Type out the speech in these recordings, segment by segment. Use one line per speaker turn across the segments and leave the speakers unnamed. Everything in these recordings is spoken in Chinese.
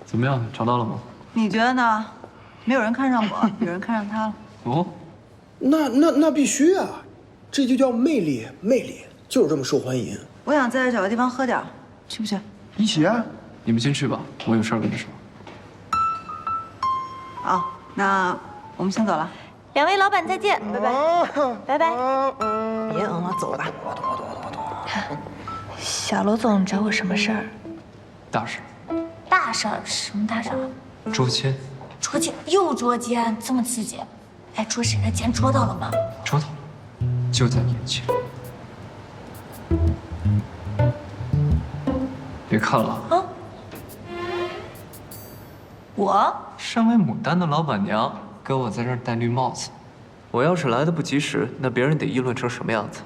怎么样，找到了吗？
你觉得呢？没有人看上我，有人看上他了。
哦，
那必须啊！这就叫魅力，魅力就是这么受欢迎。
我想在这找个地方喝点，去不去？
一起啊！
你们先去吧，我有事儿跟你说。
好，那我们先走了。
两位老板再见，拜拜，拜拜。
别嗯了，走吧。
小罗总找我什么事儿？
大事，
大事儿？什么大事儿？
捉奸。
捉奸？又捉奸？这么刺激？哎，捉谁的奸？捉到了吗？
捉到了，就在眼前。别看了
啊！我
身为牡丹的老板娘，给我在这儿戴绿帽子。我要是来的不及时，那别人得议论成什么样子？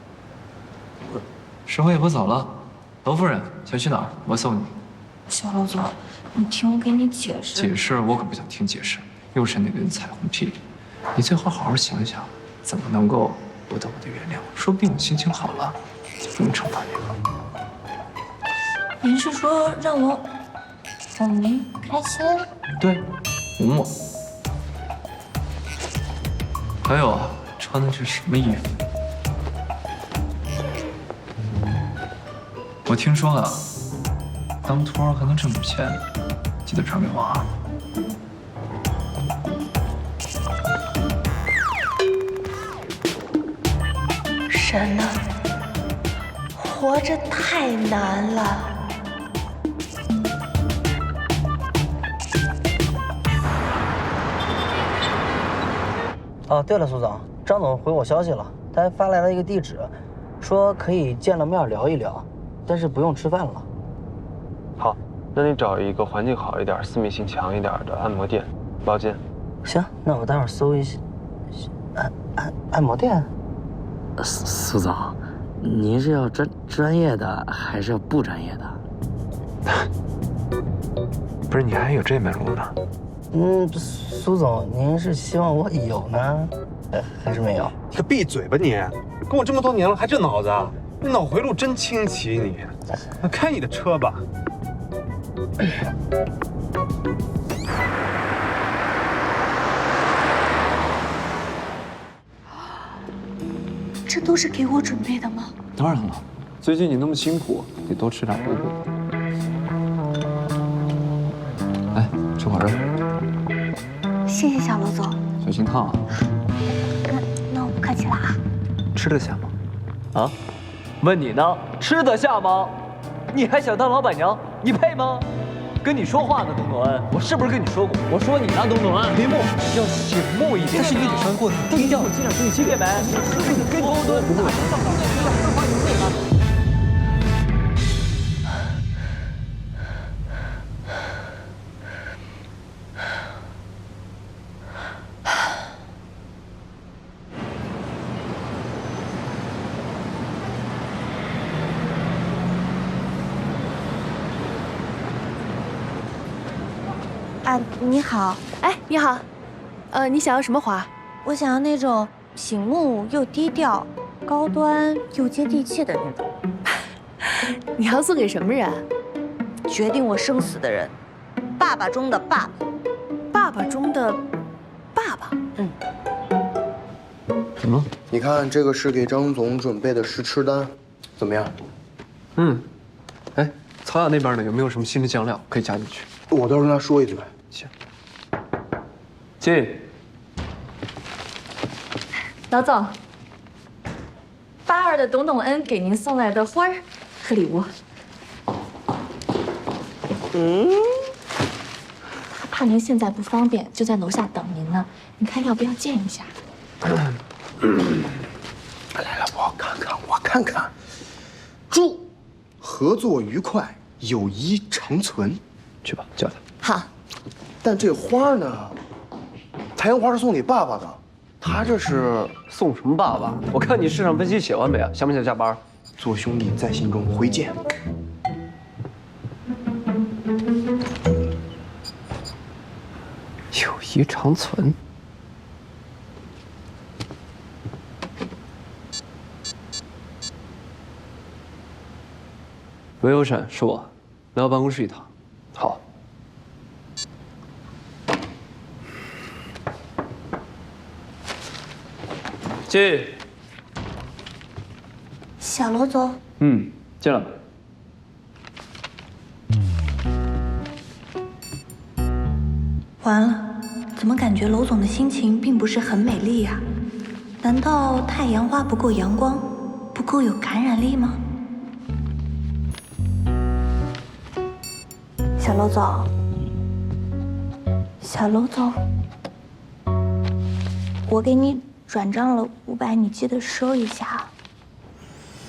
时候也不早了，罗夫人想去哪儿？我送你。
小罗总，你听我给你解释。
解释我可不想听解释，又是那根彩虹屁。你最好好好想想，怎么能够获得我的原谅？说不定我心情好了，就不用惩罚你了。
您是说让我哄您开心？
对，哄我。还有啊，穿的是什么衣服？我听说啊，当托儿还能挣点钱，记得传给我啊。
神呐，活着太难了。
哦，对了，苏总，张总回我消息了，他还发来了一个地址，说可以见了面聊一聊，但是不用吃饭了。
好，那你找一个环境好一点、私密性强一点的按摩店包间。
行，那我待会儿搜一下，按摩店。
苏总，您是要专业的还是要不专业的？
不是，你还有这门路呢？
苏总，您是希望我有呢，还是没有？
你可闭嘴吧你！跟我这么多年了，还这脑子啊？你脑回路真清奇你！开你的车吧。
这都是给我准备的吗？
当然了，最近你那么辛苦，得多吃点补补。来，吃会儿肉。
谢谢小罗总。
小心烫啊！
那我不客气了啊。
吃得下吗？啊？问你呢，吃得下吗？你还想当老板娘？你配吗？跟你说话呢，董董恩，我是不是跟你说过？我说你呢，董董恩，林木要醒目一点。这是你得穿过的，低调，尽量注意轻便没？跟高端不会。
你好，
哎，你好，你想要什么花？
我想要那种醒目又低调、高端又接地气的那种。
你要送给什么人？
决定我生死的人，爸爸中的爸爸，
爸爸中的爸爸。
怎么了？
你看，这个是给张总准备的试吃单，怎么样？
哎，曹雅那边呢，有没有什么新的酱料可以加进去？
我到时候跟他说一嘴。
行。进。
老总，82的董董恩给您送来的花儿和礼物。他怕您现在不方便，就在楼下等您呢。您看要不要见一下？
来，我看看。祝合作愉快，友谊长存。
去吧，叫他。
好。
但这花呢？太阳花是送给爸爸的，他这是
送什么爸爸？我看你市场分析写完没啊？想不想加班？
做兄弟在心中，回见。
友谊长存。喂，欧审，是我，来我办公室一趟。好。 进。
小楼总，
进来。
完了，怎么感觉楼总的心情并不是很美丽呀？难道太阳花不够阳光，不够有感染力吗？小楼总，小楼总，我给你转账了500，你记得收一下。